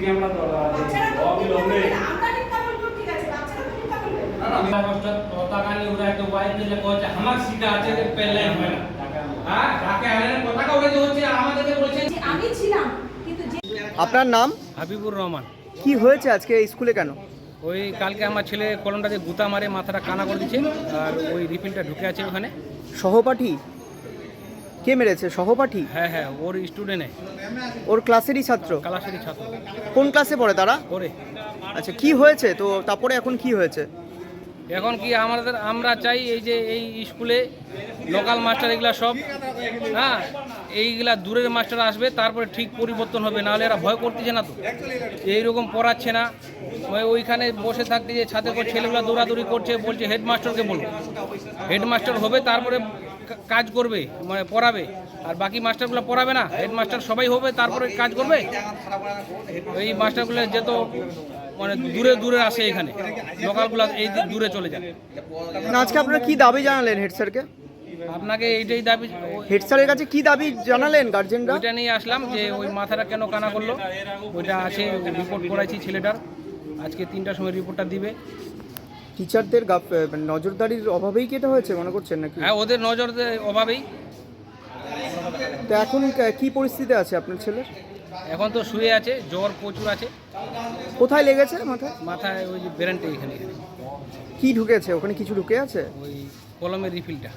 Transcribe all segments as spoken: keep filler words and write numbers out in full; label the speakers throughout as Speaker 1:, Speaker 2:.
Speaker 1: Camera দরকার আছে অবিলম্বে
Speaker 2: আমরা চিন্তা করব ঠিক আছে বাচ্চারা তো চিন্তা করবে
Speaker 1: না না আমরা কষ্ট পতাকা নিয়ে উড়াই তো ওয়াই দিলে কোচা আমার শিখা আছে যে পেলে হয় না হ্যাঁ ঢাকা আইলেন পতাকা উড়াইতে হচ্ছে আর আমাদেরকে বলছেন
Speaker 2: আমি ছিলাম কিন্তু যে
Speaker 3: আপনার নাম?
Speaker 4: হাবিবুর রহমান।
Speaker 3: কি হয়েছে আজকে স্কুলে কেন?
Speaker 4: ওই কালকে আমার ছেলে কলমটাতে গুতা মারে মাথাটা কানা করে দিচ্ছে আর ওই রিফিলটা ঢুকে আছে ওখানে।
Speaker 3: সহপাঠী? কে মেরেছে? সহপাঠী?
Speaker 4: হ্যাঁ হ্যাঁ ওর স্টুডেন্টে,
Speaker 3: ওর ক্লাসেরই ছাত্র?
Speaker 4: কালাশারি ছাত্র।
Speaker 3: কোন ক্লাসে পড়ে তারা?
Speaker 4: ওরে
Speaker 3: আচ্ছা, কি হয়েছে তো? তারপরে এখন কি হয়েছে?
Speaker 4: এখন কি আমাদের আমরা চাই এই যে এই স্কুলে লোকাল মাস্টার এগুলা সব, হ্যাঁ এইগুলা দূরের মাস্টার আসবে তারপরে ঠিক পরিবর্তন হবে, নাহলে এরা ভয় করতেছে না তো, এইরকম পড়াচ্ছে না। ওই ওইখানে বসে থাকতে যে ছাদের পর ছেলেগুলো দৌড়াদৌড়ি করছে, বলছে হেডমাস্টারকে বলবো, হেডমাস্টার হবে তারপরে কাজ করবে মানে পড়াবে, আর বাকি মাস্টারগুলো পড়াবে না, হেডমাস্টার সবাই হবে তারপরে কাজ করবে। এই মাস্টারগুলো যেত মানে দূরে দূরে আসে, এখানে লোকালগুলো এই দূরে চলে যায়।
Speaker 3: না, আজকে আপনারা কি দাবি জানালেন হেড স্যারকে?
Speaker 4: আপনাকে এইটাই দাবি,
Speaker 3: হেড স্যারের কাছে কি দাবি জানালেন গার্জেনরা?
Speaker 4: ওইটা নিয়ে আসলাম যে ওই মাথাটা কেন কানা করলো, ওইটা আছে রিপোর্ট করাইছি ছেলেটার, আজকে তিনটার সময় রিপোর্টটা দিবে।
Speaker 3: টিচারদের গাফ- মানে নজরদারির অভাবেই কি এটা হয়েছে মনে করছেন নাকি?
Speaker 4: হ্যাঁ ওদের নজর অভাবেই।
Speaker 3: তো এখন কি পরিস্থিতি আছে আপনার ছেলের?
Speaker 4: এখন তো শুয়ে আছে, জ্বর প্রচুর আছে।
Speaker 3: কোথায় লেগেছে মাথায়?
Speaker 4: মাথায় ওই যে ব্রেনটা এখানে এখানে
Speaker 3: কি ঢুকেছে ওখানে? কিছু ঢুকে আছে?
Speaker 4: ওই কলমের রিফিলটা।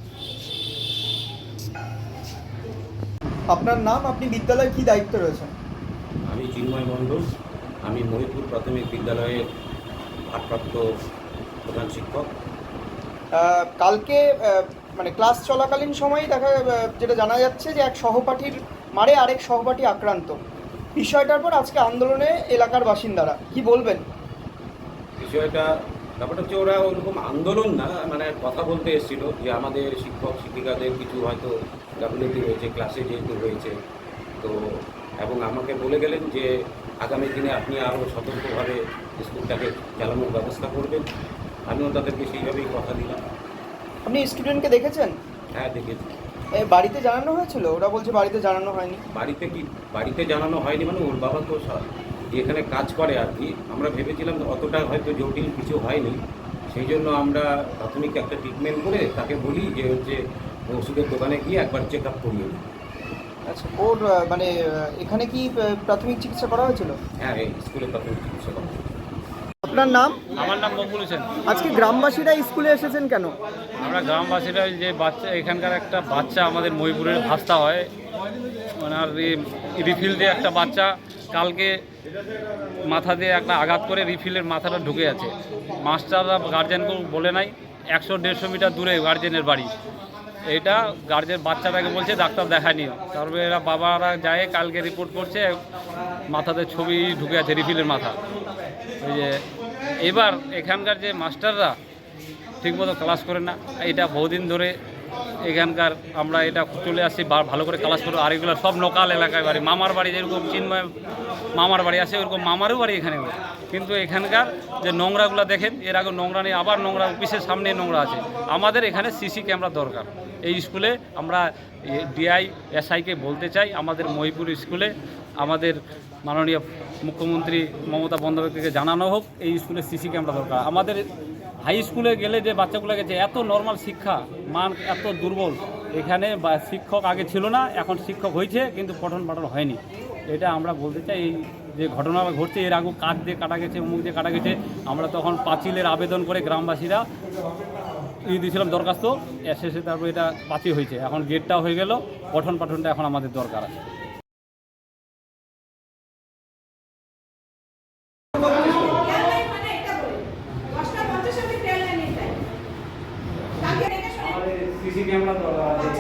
Speaker 3: আপনার নাম? আপনি বিদ্যালয়ে কি দায়িত্ব রয়েছেন?
Speaker 5: আমি চিন্ময় মণ্ডল, আমি মহিপুর প্রাথমিক বিদ্যালয়ের ভারপ্রাপ্ত প্রধান শিক্ষক।
Speaker 3: আহ, কালকে আহ, মানে ক্লাস চলাকালীন সময়ই দেখা আহ, যেটা জানা যাচ্ছে যে এক সহপাঠীর মারে আরেক সহপাঠী আক্রান্ত। বিষয়টার পর আজকে আন্দোলনে এলাকার বাসিন্দারা কি বলবেন?
Speaker 5: বিষয়টা ব্যাপারটা হচ্ছে ওরা ওরকম আন্দোলন না, মানে কথা বলতে এসেছিল যে আমাদের শিক্ষক শিক্ষিকাদের কিছু হয়তো গাফিলতি হয়েছে ক্লাসে যেহেতু হয়েছে, তো এবং আমাকে বলে গেলেন যে আগামী দিনে আপনি আরও সতর্কভাবে স্কুলটাকে চালানোর ব্যবস্থা করবেন। আমিও তাদেরকে সেইভাবেই কথা দিলাম।
Speaker 3: আপনি স্টুডেন্টকে দেখেছেন?
Speaker 5: হ্যাঁ দেখেছি।
Speaker 3: এ, বাড়িতে জানানো হয়েছিল? ওরা বলছে বাড়িতে জানানো হয়নি।
Speaker 5: বাড়িতে কি বাড়িতে জানানো হয়নি মানে ওর বাবা তো সা- এখানে কাজ করে আর কি, আমরা ভেবেছিলাম অতটা হয়তো জটিল কিছু হয়নি, সেই জন্য আমরা প্রাথমিক একটা ট্রিটমেন্ট করে তাকে বলি যে হচ্ছে ওষুধের দোকানে গিয়ে একবার চেক আপ করিয়ে নিই।
Speaker 3: আচ্ছা, ওর আহ, মানে আহ, এখানে কি আহ, প্রাথমিক চিকিৎসা করা হয়েছিল?
Speaker 5: হ্যাঁ এই স্কুলে প্রাথমিক চিকিৎসা করা।
Speaker 3: আপনার নাম?
Speaker 4: আমার নাম মকবুল হোসেন।
Speaker 3: আজকে গ্রামবাসীরা স্কুলে এসেছেন কেন?
Speaker 4: আমরা গ্রামবাসীরা যে বাচ্চা এখানকার একটা বাচ্চা আমাদের মহিপুরের ভাস্তা হয়, ওনার রিফিল দিয়ে একটা বাচ্চা কালকে মাথা দিয়ে একটা আঘাত করে রিফিলের মাথাটা ঢুকে আছে। মাস্টাররা গার্জেনকে বলে নাই, একশো দেড়শো মিটার দূরে গার্জেনের বাড়ি। এইটা গার্জেন বাচ্চাটাকে বলছে ডাক্তার দেখায় নিও, তারপরে এরা বাবারা যায় কালকে রিপোর্ট করছে মাথাতে ছবি ঢুকে আছে রিফিলের মাথা। ওই যে এবার এখানকার যে মাস্টাররা ঠিকমতো ক্লাস করে না, এটা বহুদিন ধরে এখানকার আমরা এটা চলে আসছি ভালো করে ক্লাস করবো। আর এগুলো সব লোকাল এলাকায় বাড়ি, মামার বাড়ি যেরকম চিন্ময় মামার বাড়ি আছে ওরকম মামারও বাড়ি এখানে। কিন্তু এখানকার যে নোংরাগুলো দেখেন, এর আগে নোংরা নেই, আবার নোংরা অফিসের সামনে নোংরা আছে। আমাদের এখানে সিসি ক্যামেরা দরকার এই স্কুলে। আমরা ডিআই এসআইকে বলতে চাই আমাদের মহিপুর স্কুলে আমাদের মাননীয় মুখ্যমন্ত্রী মমতা বন্দ্যোপাধ্যায়কে জানানো হোক এই স্কুলে সিসি ক্যামেরা দরকার। আমাদের হাই স্কুলে গেলে যে বাচ্চাগুলো গেছে এত নর্মাল শিক্ষা মান এত দুর্বল, এখানে বা শিক্ষক আগে ছিল না, এখন শিক্ষক হয়েছে কিন্তু পঠন পাঠন হয়নি। এটা আমরা বলতে চাই এই যে ঘটনা ঘটছে, এর আগে কাঠ দিয়ে কাটা গেছে, মুখ দিয়ে কাটা গেছে, আমরা তখন পাঁচিলের আবেদন করে গ্রামবাসীরা ই দিয়েছিলাম দরখাস্ত, এসে তারপর এটা পাঁচিল হয়েছে, এখন গেটটা হয়ে গেল, পঠন পাঠনটা এখন আমাদের দরকার আছে।
Speaker 1: সিসি ক্যামেরা দরকার আছে